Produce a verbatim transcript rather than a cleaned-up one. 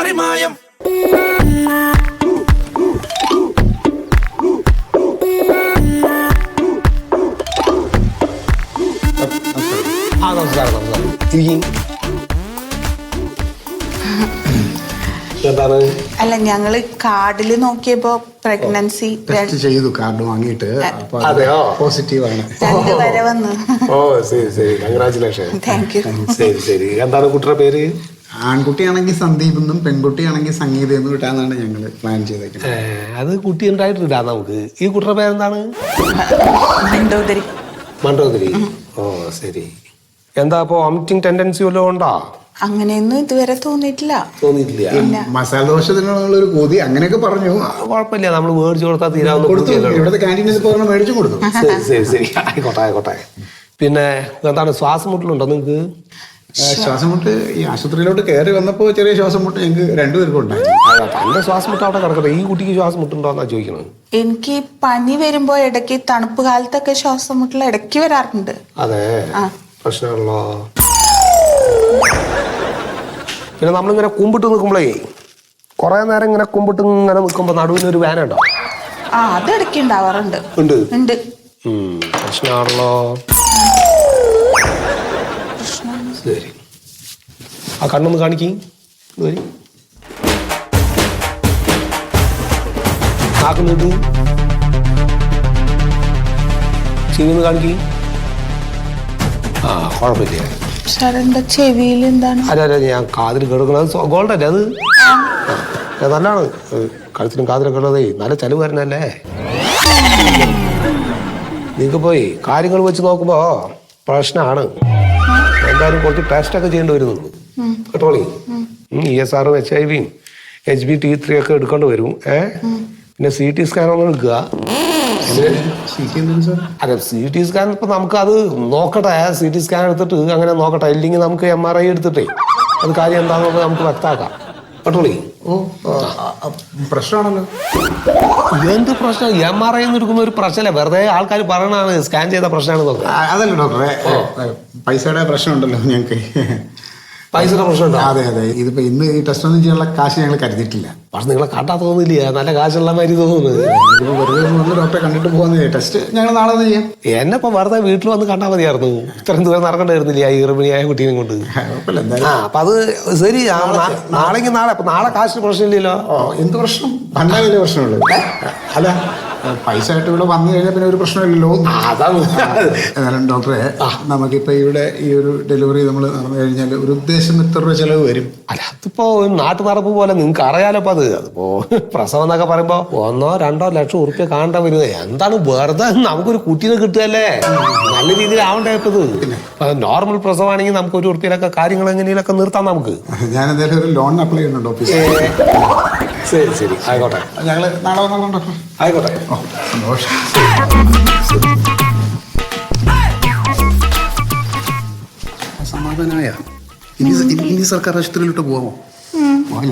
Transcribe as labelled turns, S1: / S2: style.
S1: മറിമായം.
S2: ആ നമസ്കാരം നമസ്കാരം ഇരിക്കും. എന്താണ്?
S3: അല്ല ഞങ്ങള് കാർഡില് നോക്കിയപ്പോ പ്രഗ്നൻസി
S4: ടെസ്റ്റ് ചെയ്തു കാർഡ് വാങ്ങിയിട്ട്
S2: അതെയോ?
S4: പോസിറ്റീവ് ആണ്.
S3: രണ്ട് വരെ വന്ന്.
S2: ഓ ശരി ശരി, കൺഗ്രാചുലേഷൻ.
S3: Thank you.
S2: ശരി ശരി. എന്താണ് കുട്ടിയുടെ പേര്?
S4: ആൺകുട്ടിയാണെങ്കിൽ സന്ദീപ് എന്നും പെൺകുട്ടിയാണെങ്കിൽ സംഗീത എന്നും കിട്ടാന്നാണ് ഞങ്ങൾ പ്ലാൻ ചെയ്തേക്കുന്നത്.
S2: അത് കുട്ടി ഉണ്ടായിട്ടില്ല നമുക്ക്. ഈ കുട്ടിയുടെ പേരെന്താണ്?
S3: മണ്ടോദരി.
S2: മണ്ടോദരി. ഓ ശരി. എന്താ അപ്പോ വോമിറ്റിംഗ് ടെൻഡൻസി വല്ലതും ഉണ്ടോ?
S3: അങ്ങനെയൊന്നും ഇതുവരെ തോന്നിയിട്ടില്ല.
S2: തോന്നിയിട്ടില്ല.
S4: മസാല ദോശത്തിനുള്ള ഒരു കൊതി അങ്ങനെയൊക്കെ പറഞ്ഞു.
S2: കുഴപ്പമില്ല, നമ്മൾ മേടിച്ചു കൊടുത്താൽ തീരാവുന്ന
S4: കൊടുത്തു. ഇവിടുത്തെ ക്യാൻറ്റീനിൽ പോയി മേടിച്ചു കൊടുത്തു.
S2: ശരി ശരി ശരി, ആയിക്കോട്ടെ ആയിക്കോട്ടെ. പിന്നെ എന്താണ്, ശ്വാസം മുട്ടലുണ്ടോ നിങ്ങൾക്ക്?
S4: ശ്വാസം മുട്ട് ഈ ആശുപത്രിയിലോട്ട് കയറി വന്നപ്പോൾ ചെറിയ ശ്വാസം മുട്ട് ഞങ്ങൾക്ക് രണ്ടുപേർക്കും ഉണ്ടായി.
S2: തന്റെ ശ്വാസം മുട്ട് അവിടെ കിടക്കട്ടെ, ഈ കുട്ടിക്ക് ശ്വാസം മുട്ടുണ്ടോന്നാ ചോദിക്കണത്.
S3: എനിക്ക് പനി വരുമ്പോ ഇടയ്ക്ക് തണുപ്പ് കാലത്തൊക്കെ ശ്വാസം മുട്ടൽ ഇടയ്ക്ക് വരാറുണ്ട്.
S2: അതെ,
S3: ആ
S2: പ്രശ്നമാണല്ലോ. പിന്നെ നമ്മളിങ്ങനെ കുമ്പിട്ട് നിൽക്കുമ്പോഴേ കുറെ നേരം ഇങ്ങനെ കുമ്പിട്ട് ഇങ്ങനെ നിൽക്കുമ്പോ നടുവിനൊരു വേന ഉണ്ടോ?
S3: ആ അത് ഇടയ്ക്ക് ഉണ്ടാവാറുണ്ട്.
S2: ഉണ്ട്
S3: ഉണ്ട്.
S2: പ്രശ്നമാണല്ലോ. ശരി, ആ കണ്ണൊന്ന് കാണിക്കും. നാക്കുന്നിട്ട് ചെവിന്ന് കാണിക്കും. ആ കുഴപ്പമില്ല.
S3: സാറിന്റെ ചെവിയിൽ എന്താണ്?
S2: അല്ല അല്ല, ഞാൻ കാതിൽ കേൾക്കണത് ഗോൾഡ് അല്ലേ അത്? നല്ലതാണ്. കഴുത്തിനും കാതിലൊക്കെ ഉള്ളതേ നല്ല ചെലവ് വരുന്നല്ലേ. നിങ്ങൾക്ക് പോയി കാര്യങ്ങൾ വെച്ച് നോക്കുമ്പോ പ്രശ്നമാണ്. എന്തായാലും കുറച്ച് ടെസ്റ്റ് ഒക്കെ ചെയ്യേണ്ടി വരുന്നുള്ളൂ കേട്ടോളി. ഇ എസ് ആറും എച്ച് ഐ വിയും എച്ച് ബി ടി ത്രീ ഒക്കെ എടുക്കേണ്ടി വരും. ഏഹ് പിന്നെ സി ടി സ്കാൻ ഒന്ന് എടുക്കുക. അതെ, സി ടി സ്കാൻ ഇപ്പൊ നമുക്ക് അത് നോക്കട്ടെ. സി ടി സ്കാൻ എടുത്തിട്ട് അങ്ങനെ നോക്കട്ടെ. ഇല്ലെങ്കിൽ നമുക്ക് എം ആർ ഐ എടുത്തിട്ടേ അത് കാര്യം എന്താണെന്നുള്ളത് നമുക്ക് വ്യക്തമാക്കാം കേട്ടോളി.
S4: ഓ പ്രശ്നമാണല്ലോ.
S2: എന്ത് പ്രശ്നം? എം ആർ ഐ എടുക്കുന്ന ഒരു പ്രശ്നമല്ല, വെറുതെ ആൾക്കാർ പറയണതാണ് സ്കാൻ ചെയ്ത പ്രശ്നമാണെന്ന്.
S4: അതല്ല ഡോക്ടറെ, പൈസയുടെ പ്രശ്നമുണ്ടല്ലോ ഞങ്ങൾക്ക്.
S2: പൈസയുടെ പ്രശ്നമുണ്ടോ?
S4: അതെ അതെ. ഇതിപ്പോ ഇന്ന് ഈ ടെസ്റ്റ് ഒന്നും ചെയ്യാനുള്ള കാശ് ഞങ്ങൾ കരുതിയിട്ടില്ല.
S2: പക്ഷെ നിങ്ങളെ കണ്ടാ തോന്നില്ല, നല്ല കാശുള്ള മാതിരി തോന്നുന്നത്.
S4: ഇതിപ്പോ വെറുതെ വന്ന് ഡോക്ടറെ കണ്ടിട്ട് പോകുന്ന ടെസ്റ്റ് ഞങ്ങൾ നാളെ ഒന്ന് ചെയ്യാം.
S2: എന്നെ ഇപ്പൊ വെറുതെ വീട്ടിൽ വന്ന് കണ്ടാൽ മതിയായിരുന്നു. ഇത്രയും ദൂരം നടക്കണ്ടായിരുന്നില്ല ഈ ഗർഭിണിയായ കുട്ടീനെ കൊണ്ട്. ആ അപ്പൊ അത് ശരി. നാളെങ്കിൽ നാളെ അപ്പൊ നാളെ കാശിന് പ്രശ്നമില്ലല്ലോ.
S4: എന്ത് പ്രശ്നം? ഭണ്ടാവില്ലേ പ്രശ്നമുള്ളൂ. അല്ല പൈസ ആയിട്ട് ഇവിടെ വന്നു കഴിഞ്ഞാൽ പിന്നെ ഒരു പ്രശ്നമില്ലല്ലോ.
S2: അതാണ്.
S4: എന്നാലും ഡോക്ടറെ, നമുക്കിപ്പോ ഇവിടെ ഈ ഒരു ഡെലിവറി നമ്മൾ നടന്നു കഴിഞ്ഞാൽ ഒരു ഉദ്ദേശം എത്ര രൂപ ചെലവ് വരും?
S2: അല്ല അതിപ്പോ നാട്ടു നടപ്പ് പോലെ നിങ്ങൾക്ക് അറിയാലോ. അപ്പൊ അത് അതിപ്പോ പ്രസവം എന്നൊക്കെ പറയുമ്പോ ഒന്നോ രണ്ടോ ലക്ഷം ഉറുപ്പ്യ കാണേണ്ട വരുന്നത്. എന്താണ് വെറുതെ നമുക്കൊരു കുട്ടീനെ കിട്ടുകയല്ലേ, നല്ല രീതിയിൽ ആവണ്ടേ. ഇപ്പത് നോർമൽ പ്രസവമാണെങ്കിൽ നമുക്ക് ഒരു ഉറുപ്പ്യയിലൊക്കെ കാര്യങ്ങൾ എങ്ങനെയൊക്കെ നിർത്താം നമുക്ക്.
S4: ഞാൻ എന്തായാലും ഒരു ലോൺ അപ്ലൈ ചെയ്യുന്നുണ്ട് ഓഫീസിൽ.
S2: ശരി ശരി, ആയിക്കോട്ടെ.
S4: ഞങ്ങള് നാളെ വന്നോളാം ഡോക്ടർ.
S2: ആയിക്കോട്ടെ.
S4: സന്തോഷം. സമാധാനമായ ഇനി ഇനി സർക്കാർ ആശുപത്രിയിലോട്ട് പോവാമോ?